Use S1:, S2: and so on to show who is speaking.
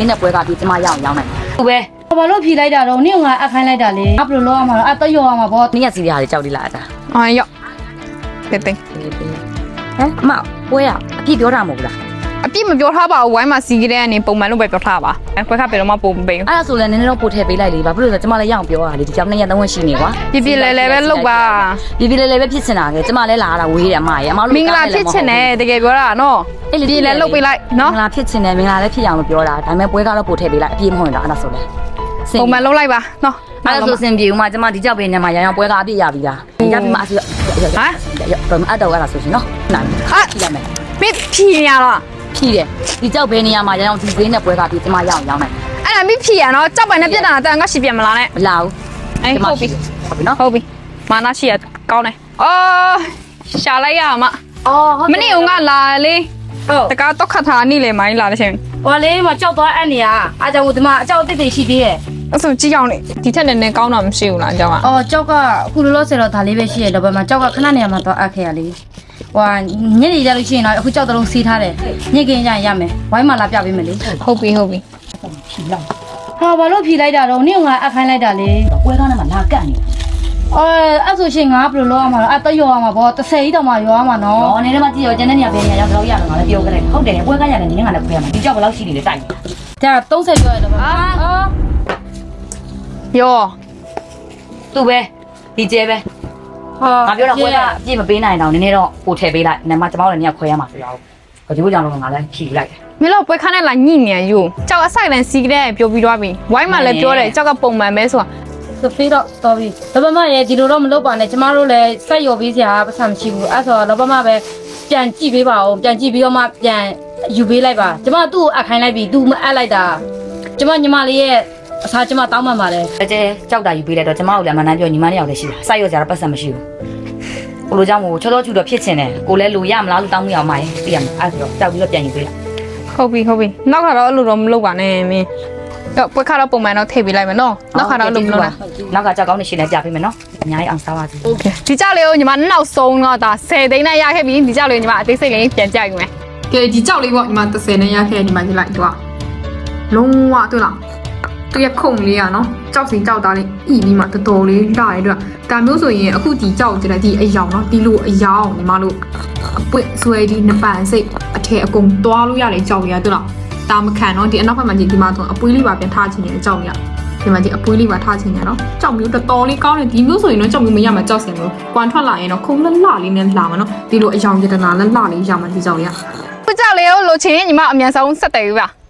S1: င်းနဲ့ပွဲကပြီးကျမရအောင်ရောင်းမယ်သူပဲ
S2: ဘာလို့ဖြေလိုက်တာတော့နင့်ကအခိုင်းလိုက်တာလေအဘလို့လောရမှာတော့အတော့ရောရမှာပေါ့
S1: နင်းရစီရတွေကြောက်လိလားတာ
S3: အော်ရော့တဲ့တဲ့
S1: ဟမ်အမပွဲရအပြည့်ပြောတာမဟုတ်လား
S3: အပြစ်မပြောထားပါဘူးဝိုင်းမှာစီးကြတဲ့ကနေပုံမှန်လို့ပဲပြောထားပါခွဲခါပဲတော့မပုံပေးဘူး
S1: အဲ့ဒါဆိုလည်းနည်းနည်းတော့ပို့ထည့်ပေးလိုက်လေဘာဖြစ်လို့လဲကျမလည်းရအောင်ပြောရလေဒီကြောင်2ရက်3ရက်ရှိနေကွာ
S3: ပြပြလဲလဲပဲလုပ်ပါ
S1: ပြပြလဲလဲပဲဖြစ်နေတာကကျမလည်းလာတာဝေးတယ်အမရေအမတို့
S3: မင်္ဂလာဖြစ်ချင်တယ်တကယ်ပြောတာနော်ပြလဲလုပ်ပေးလိုက်
S1: မ
S3: နော်
S1: င်္ဂလာဖြစ်ချင်တယ်မင်္ဂလာလည်းဖြစ်ရအောင်လို့ပြောတာဒါပေမဲ့ပွဲကတော့ပို့ထည့်ပေးလိုက်အပြည့်မဟုတ်ရင်တော့အဲ့ဒါဆိုလဲ
S3: ပုံမှန်လုပ်လိုက်ပါနော်
S1: အဲ့ဒါဆိုစင်ပြေဦးမကျမဒီကြောက်ပေးနေမှာရအောင်ပွဲကအပြည့်ရပြီလားရပြီမအဆူဟမ်တော့အတော့အဲ့ဒါဆိုရှင်နော်နိုင်ဟာရမယ်
S3: ပြဖြီရလား
S1: ဖြီးတယ်ဒီကြောက်ဘဲနေရမှာရအောင်ဒီဈေးနဲ့ပွဲကပြီးကျမရအောင်ရောင်းမယ်
S3: အဲ့ဒါမိဖြီရနော်ကြောက်ပိုင်နဲ့ပြက်တာတန်ကရှိပြန်မလားနဲ့
S1: မလာဘူး
S3: အေးဟုတ်ပြီ
S1: ဟုတ်ပြီနော်
S3: ဟုတ်ပြီမာနာရှိရကောင်းတယ်အော်ရှာလိုက်ရမှာ
S2: အော်ဟုတ်
S3: မနေ့ကလာလေ
S2: ဟုတ်
S3: တကားတော့ခတ်ထားနေလေမိုင်းလာတဲ့ချိန်
S2: ဟောလေးမကြောက်သွားအပ်နေရအားကြောင့်ဒီမှာအကြောက်တစ်တွေရှိသေးရဲ့
S3: အဲ့ဆိုကြည့်အောင်လေဒီထက်နည်းနည်းကောင်းတာမရှိဘူးလားအကြောင်းက
S2: အော်ကြောက်ကအခုလောလောဆယ်တော့ဒါလေးပဲရှိရတော့ဘယ်မှာကြောက်ကခဏနေရာမှာတော့အပ်ခဲ့ရလေဟွာညနေကြလို့ရှိရင်တော့အခုကြောက်တလုံးစီးထားတယ်ညစ်ကင်းကြရင်ရမယ်ဝိုင်းမှာလာပြပေးမယ်လေ
S3: ဟုတ်ပြီဟုတ်ပြီ
S1: ဖြီးလောက်
S2: ဟာဘာလို့ဖြေလိုက်တာတော့နင့်ကအခိုင်းလိုက်တာလေ
S1: ပွဲကောင်းထဲမှာလာကန့်နေ
S2: အော်အဲ့ဆိုရှင်ငါဘယ်လိုလုပ်ရမှာလဲအတော့ရောရမှာပေါ့30ကြီးတောင်မှရောရမှာနော်
S1: တော့နေတော့မှကြည့်ရောကျန်တဲ့နေရာပဲနေရာရောက်တော့ရတော့ငါလည်းပြောကြတယ်ဟုတ်တယ်ပွဲကရတယ်နင်းကလည်းခွဲရမှာဒီကြောက်ဘယ်လောက်ရှိနေလဲတိုက်
S2: ဒါ30ကျော်ရတော့ပါအော်
S3: ရော
S1: သူ့ပဲဒီကျဲပဲ
S2: ဟာ
S1: ငါပြောတော့ပွဲကအပြည့်မပေးနိုင်တော့နည်းနည်းတော့ပို့ထည့်ပေးလိုက်နမကျမတို့လည်းနေရာခွဲရမှာဆိုရအောင်ဒီလိုကြောင့်တော့ငါလည်းဖြီးလိုက်တယ်
S3: မင်းတို့ပွဲခါနဲ့လာညိနေရယူကြောက်အဆိုင်လန်စီးကြတဲ့ပြောပြီးသွားပြီဝိုင်းမှာလည်းပြောတယ်ကြောက်ကပုံမှန်ပဲဆိုတာ
S2: စဖေးတော့တော်ပြီလောဘမရဲ့ဒီလိုတော့မလုပ်ပါနဲ့ကျမတို့လည်းစက်ရော်ပေးစရာပတ်စံမရှိဘူးအဲ့ဆိုလောဘမပဲပြန်ကြည့်ပေးပါဦးပြန်ကြည့်ပြီးတော့မှပြန်ယူပေးလိုက်ပါကျမသူ့ကိုအခိုင်းလိုက်ပြီသူမအပ်လိုက်တာကျမညီမလေးရဲ့အစားကျမတောင်းပန်ပါတယ်
S1: အကျဲကြောက်တာယူပေးလိုက်တော့ကျမတို့လည်းမနှမ်းပြောညီမနှစ်ယောက်လည်းရှိတာစိုက်ရောစရာတော့ပတ်စံမရှိဘူးကိုလိုကြောင့်မို့ချောချောချူတော့ဖြစ်ချင်တယ်ကိုလည်းလူရမလားလူတောင်းမရအောင်မရင်သိရမှာအဲ့ဆိုတော့ကြောက်ပြီးတော့ပြန်ယူပေးလိုက်
S3: ဟုတ်ပြီဟုတ်ပြီနောက်ခါတော့အဲ့လိုတော့မလုပ်ပါနဲ့မင်းတော့ပွဲခါတော့ပုံမှန်တော့ထည့်ပေးလိုက်မယ်နော်နောက်ခါတော့အဲ့လိုမလုပ်နဲ့
S1: နောက်ကကြောက်ကောင်းနေရှင်းနေကြပေးမယ်နော်အများကြီးအောင်စားပါစေ
S3: ဒီကြောက်လေးကိုညီမနောက်ဆုံးတော့ဒါ10သိန်းနဲ့ရခဲ့ပြီဒီကြောက်လေးကိုညီမအသေးစိတ်လေးပြန်ကြိုက်ယူမယ်ကဲဒီကြောက်လေးပေါ့ညီမ30နဲ့ရခဲ့ညီမကြည့်လိုက်တော့လုံးဝတွေ့လားသူရခုံလေးอ่ะเนาะကြောက်စီကြောက်သားလေးဤပြီးမှတော်တော်လေးလာရတဲ့အတွက်ဒါမျိုးဆိုရင်အခုဒီကြောက်ကြတဲ့ဒီအယောင်เนาะဒီလိုအယောင်ညီမတို့အပွင့်ဆွဲဒီနပန်စိတ်အထည်အကုန်သွားလို့ရတယ်ကြောက်ရတွေ့လားဒါမခံเนาะဒီအနောက်ဘက်မှာဒီမှာဆိုအပွေးလေးပါပြန်ထားချင်တယ်ကြောက်ရဒီမှာဒီအပွေးလေးပါထားချင်တယ်เนาะကြောက်မျိုးတော်တော်လေးကောင်းတယ်ဒီမျိုးဆိုရင်တော့ကြောက်မျိုးမရမှာကြောက်စင်လို့ကွမ်ထွက်လာရင်တော့ခုံလှလှလေးနဲ့လာမှာเนาะဒီလိုအယောင်ရတနာလှလှလေးရမှာဒီကြောက်ရခုကြောက်လေးကိုလိုချင်ညီမအမြန်ဆုံးဆက်တယ်ပြီပါ